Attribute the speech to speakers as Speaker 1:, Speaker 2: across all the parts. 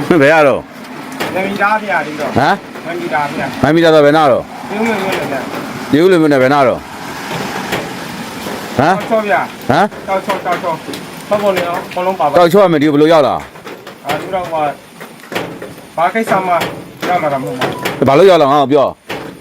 Speaker 1: ဘယ်ရတော့
Speaker 2: ငမီသားပြရတယ်တော့
Speaker 1: ဟမ်
Speaker 2: ငမီသားပြ
Speaker 1: မိုင်းမီတာတော့ဘယ်နာတော့
Speaker 2: ပြုံးလို့ရတယ်
Speaker 1: ဒီဦးလူမျိုးနဲ့ဘယ်နာတော့ဟမ်
Speaker 2: ချောပြ
Speaker 1: ဟမ်
Speaker 2: တောက်ချောဘောပေါ်နေအောင်ဘလုံးပါပါ
Speaker 1: တောက်ချောရမယ်ဒီဘယ်လိုရောက်လာ
Speaker 2: ဒီတော့ဘာကိစ္စမှရမှာတော့မဟုတ်ဘူး
Speaker 1: ဘာလို့ရောက်လာငါ့ကိုပြော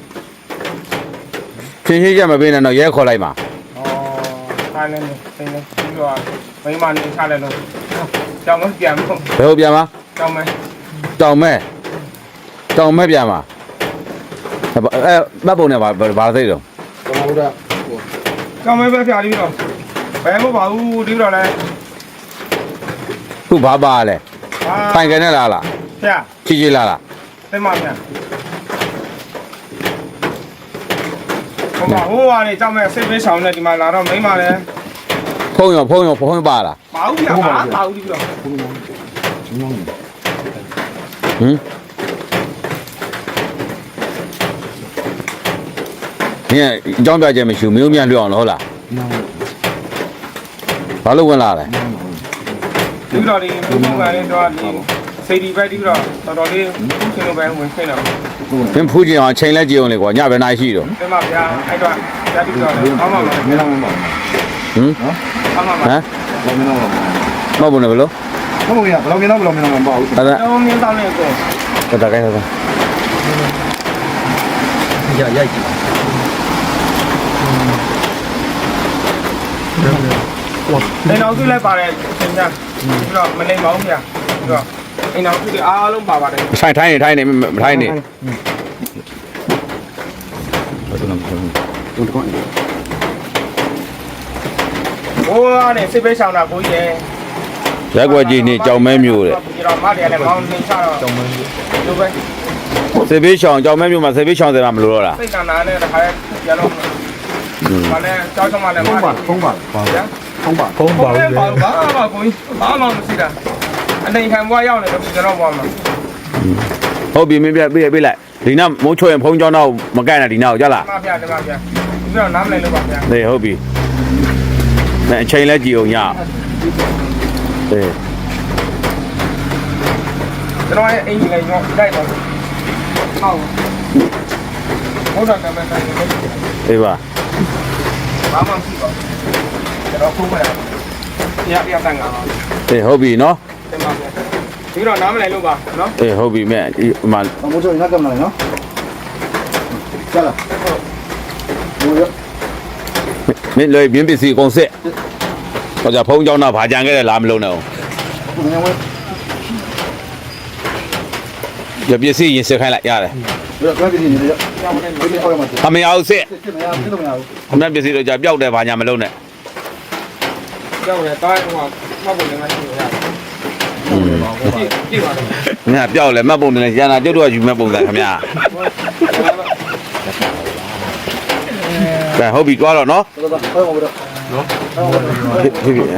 Speaker 1: ချင်းချင်းချက်မပေးနဲ့တော့ရဲခေါ်လိုက်ပါ
Speaker 2: ခိုင်းနေတယ်ပြီးတော့မိမနေချလိုက်လို့ကြောင်မပြန်ဘူး
Speaker 1: ဘယ်လိုပြန်မ
Speaker 2: ကြောင်မ
Speaker 1: တောင်မဲပြန်မှာမတ်ပုံနဲ့ဘာသိတော့
Speaker 2: ကြောင်မပဲပြပြီးတော့ဘယ်မှပါဘူးဒီတော့လဲ
Speaker 1: ခုဘာပါလဲပိုင်ကနေလား
Speaker 2: ပြ
Speaker 1: ချီလား
Speaker 2: သိမပြန်ဟိုကနေကြောင်မစိတ်ပေးဆောင်နေဒီမှာလာတော့မိမလဲ
Speaker 1: ဖုံးရောပါလား
Speaker 2: ပါဘူးပြပါဘူးဒီတော့
Speaker 1: ဟင်ညအကြောင်းပြချက်မရှိဘူးမင်းမြန်လွတ်အောင်လို့ဟုတ်လားဘာလို့ဝင်လာလဲ
Speaker 2: ဒီတော့ဒီဘုံဘုံကလည်းတော့ဒီစိတ်ဒီပဲဒီတော့တော်တော်လေးရှင်လိုပဲဝင်ခွင့်တော့
Speaker 1: မင်းဖူးကြည့်အောင်ချိန်လဲကြည့်အောင်လေကွာညဘယ်နာရှိတော့
Speaker 2: ဒီမှာဗျာအဲ့တော့ဓာတ်ပြီးတော့အောင်းမှာ
Speaker 3: မင်းတော့မပါ
Speaker 1: ဟမ်
Speaker 2: အောင်းမှာ
Speaker 1: ဟမ်
Speaker 3: ဘူးမင်းတော့မပါ
Speaker 1: မဟုတ်ဘူးနဲ့ဘယ်လို
Speaker 3: ဘူးဘယ်လိုမင်းတော့မပါဘူး
Speaker 1: အဲ့ဒါ
Speaker 2: တော့မြင်းတောင်းနေကို
Speaker 1: ဒါကိုင်းတော့
Speaker 3: ရိုက်ကြည့်
Speaker 2: အိမ်တော်စုလည်းပါတယ်သင်ကြားပြီးတော့မနေပါဘူးဗျာပြီးတော့အိမ်တော်စုတွေအားလုံးပါပါတယ်
Speaker 1: ထိုင်နေမထိုင်နေ
Speaker 2: ဟိုကနေစိတ်ပေးဆောင်တာကိုကြီးရဲ့
Speaker 1: ရက်ွက်ကြီးနေကြောင်မဲမျိုးတဲ့
Speaker 2: ဒီတော့မတယ်လည်းမောင်းနေချတော့ကြောင်မဲလိုပဲ
Speaker 1: စေဘေးရှောင်ကြောင်မဲမျိုးမှာစေဘေးရှောင်တယ်မှာမလို့တော့လား
Speaker 2: စိတ်ကနာနဲ့တခါလဲရတော့ဘာလဲကြောက်ချမလဲ
Speaker 3: ဖုံးပါဖုံးပါပါ
Speaker 2: ဗျာ
Speaker 3: ဖုံးပါ
Speaker 2: ဖုံးပါဘူးဘာမှကိုကြီးဘာမှမရှိတာအနေခံဘွားရောက်နေတော့ကျွန်တော်ဘွားမှာ
Speaker 1: ဟုတ်ပြီမင်းပြပေးလိုက်ဒီနောက်မိုးချွေရင်ဖုံးကြောင်းတော့မကန့်နဲ့ဒီနောက်ကြလား
Speaker 2: မပြတယ်မပြပြီးတော့နားမလဲလို့ပါဗျာ
Speaker 1: နေဟုတ်ပြီအဲအချိန်လဲကြည့်အောင်ညအေး
Speaker 2: ကျွန်တော်ရဲ့အိမ်ကြီးလည်းညောတိုက်ပါဟုတ်ဟုတ်တယ်ကမန်တိုင်း
Speaker 1: အေးပါ
Speaker 2: ဘာမှမရှိပါဘူးကျွန်တော်ဖုန်းမရရတန်ငါပါ
Speaker 1: အေးဟုတ်ပြီနော်
Speaker 2: တင်ပါဗျာပြီးတော့နားမလဲလို့ပါနော်
Speaker 1: အေးဟုတ်ပြီမဲ့ဒီမှာ
Speaker 3: မိုးချိုငါကမလာနော်ကျလာမိုးရ
Speaker 1: မင်းလွယ်ပြင်းပစ္စည်းအကုန်စစ်ဟောကြဖုံးကြောင်းတော့ဗာကြံခဲ့တယ်လားမလုံးနဲ့အောင်
Speaker 3: ငါဝဲ
Speaker 1: ရပစ္စည်းရင်စစ်ခိုင်းလိုက်ရတယ်
Speaker 3: ဘယ်တော့ကြည့်နေလဲကျောင်းထဲဒီအော်ရမှာ
Speaker 1: အမေအောင်စစ်
Speaker 3: စစ်မရစစ်လို့မရဘူး
Speaker 1: အမေပစ္စည်းတော့ကြပျောက်တယ်ဗာညာမလုံးနဲ့
Speaker 2: ကြောက်တယ်တားဟိုမှတ်ဖို့လည်းမရှိဘူးဗျာကြည့်ပါတော့
Speaker 1: ငါပျောက်လဲမှတ်ပုံတယ်ရန်တာကျုပ်တို့ကယူမဲ့ပုံစံခင်ဗျာကဲဟုတ်ပြီတွားတော့နော်
Speaker 3: တော်တော်ဟောမှာတော့နော်
Speaker 1: ဖြစ်ပြီ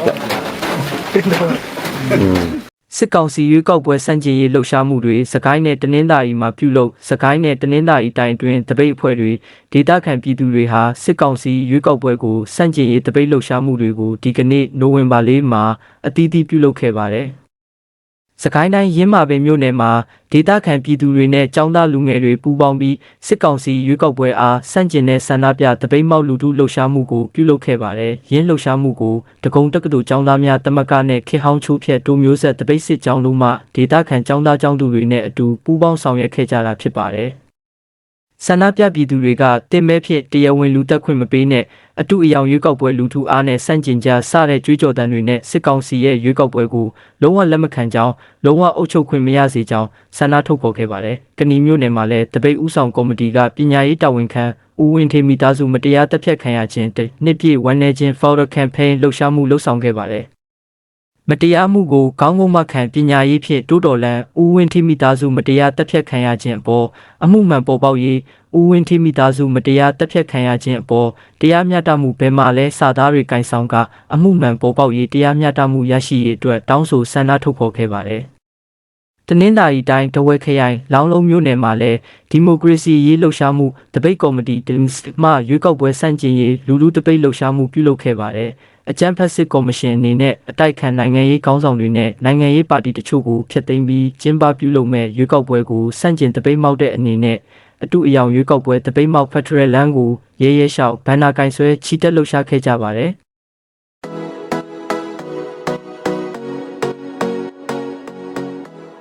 Speaker 4: စစ်ကောင်စီရွေးကောက်ပွဲစန့်ကျင်ရေးလှုပ်ရှားမှုတွေစကိုင်းနဲ့တနင်္သာရီမှာပြုလုပ်စကိုင်းနဲ့တနင်္သာရီတိုင်းအတွင်းတပိတ်အဖွဲ့တွေဒေသခံပြည်သူတွေဟာစစ်ကောင်စီရွေးကောက်ပွဲကိုစန့်ကျင်ရေးတပိတ်လှုပ်ရှားမှုတွေကိုဒီကနေ့နိုဝင်ဘာ4မှာအသီးသီးပြုလုပ်ခဲ့ပါတယ်။စကိုင်းတိုင်းရင်းမာပင်မြို့နယ်မှာဒေသခံပြည်သူတွေနဲ့ចောင်းသားလူငယ်တွေပူးပေါင်းပြီးစစ်ကောင်စီရွေးကောက်ပွဲအားစန့်ကျင်တဲ့ဆန္ဒပြတပိတ်မောက်လူထုလှုပ်ရှားမှုကိုပြုလုပ်ခဲ့ပါတယ်။ရင်းလှုပ်ရှားမှုကိုတကုံတက္ကသိုလ်ចောင်းသားများတမကနဲ့ခေဟောင်းချိုးဖြတ်တိုးမျိုးဆက်တပိတ်စစ်ကြောင်းလုံးမှဒေသခံចောင်းသားចောင်းသူတွေနဲ့အတူပူးပေါင်းဆောင်ရွက်ခဲ့ကြတာဖြစ်ပါတယ်။ဆန္ဒပြပြည်သူတွေကတင်မဲဖြစ်တရားဝင်လူတက်ခွင့်မပေးနဲ့အတူအယောင်ရွေးကောက်ပွဲလူထုအားနဲ့စန့်ကျင်ကြစတဲ့ကြွေးကြော်သံတွေနဲ့စစ်ကောင်စီရဲ့ရွေးကောက်ပွဲကိုလုံးဝလက်မခံကြောင်းလုံးဝအုပ်ချုပ်ခွင့်မရစေကြောင်းဆန္ဒထုတ်ဖော်ခဲ့ပါတယ်။ကဏီမျိုးနယ်မှာလည်းတပိတ်ဥဆောင်ကော်မတီကပညာရေးတာဝန်ခံဦးဝင်းထေမိသားစုမတရားတပ်ဖြတ်ခံရခြင်းနှစ်ပြည့်ဝန်내ခြင်း Follow Campaign လှုပ်ရှားမှုလှုပ်ဆောင်ခဲ့ပါတယ်။မတရားမှုကိုကောင်းကောင်းမှခံပညာရေးဖြင့်တိုးတော်လန်ဦးဝင်းထေမိသားစုမတရားတပ်ဖြတ်ခံရခြင်းအပေါ်အမှုမှန်ပေါ်ပေါက်ရေးဦးဝင်းထေမိသားစုမတရားတပ်ဖြတ်ခံရခြင်းအပေါ်တရားမျှတမှုဘယ်မှာလဲစာသားတွေကင်ဆောင်ကအမှုမှန်ပေါ်ပေါက်ရေးတရားမျှတမှုရရှိရေးအတွက်တောင်းဆိုဆန္ဒထုတ်ဖော်ခဲ့ပါတယ်။တနင်္သာရီတိုင်းတဝက်ခရိုင်လောင်းလုံးမြို့နယ်မှာလည်းဒီမိုကရေစီရေးလှုပ်ရှားမှုတပိတ်ကော်မတီမှရွေးကောက်ပွဲစန့်ကျင်ရေးလူထုတပိတ်လှုပ်ရှားမှုပြုလုပ်ခဲ့ပါတယ်။အကြမ်းဖက်စစ်ကော်မရှင်အနေနဲ့အတိုက်ခံနိုင်ငံရေးခေါင်းဆောင်တွေနဲ့နိုင်ငံရေးပါတီတချို့ကိုဖျက်သိမ်းပြီးကျင်းပပြုလုပ်မဲ့ရွေးကောက်ပွဲကိုစန့်ကျင်တပိတ်မောက်တဲ့အနေနဲ့အတူအယောင်ရွေးကောက်ပွဲတပိတ်မောက်ဖက်ဒရယ်လမ်းကိုရဲရဲရှောက်ဘန်နာကင်ဆွဲချီတက်လှုပ်ရှားခဲ့ကြပါတယ်။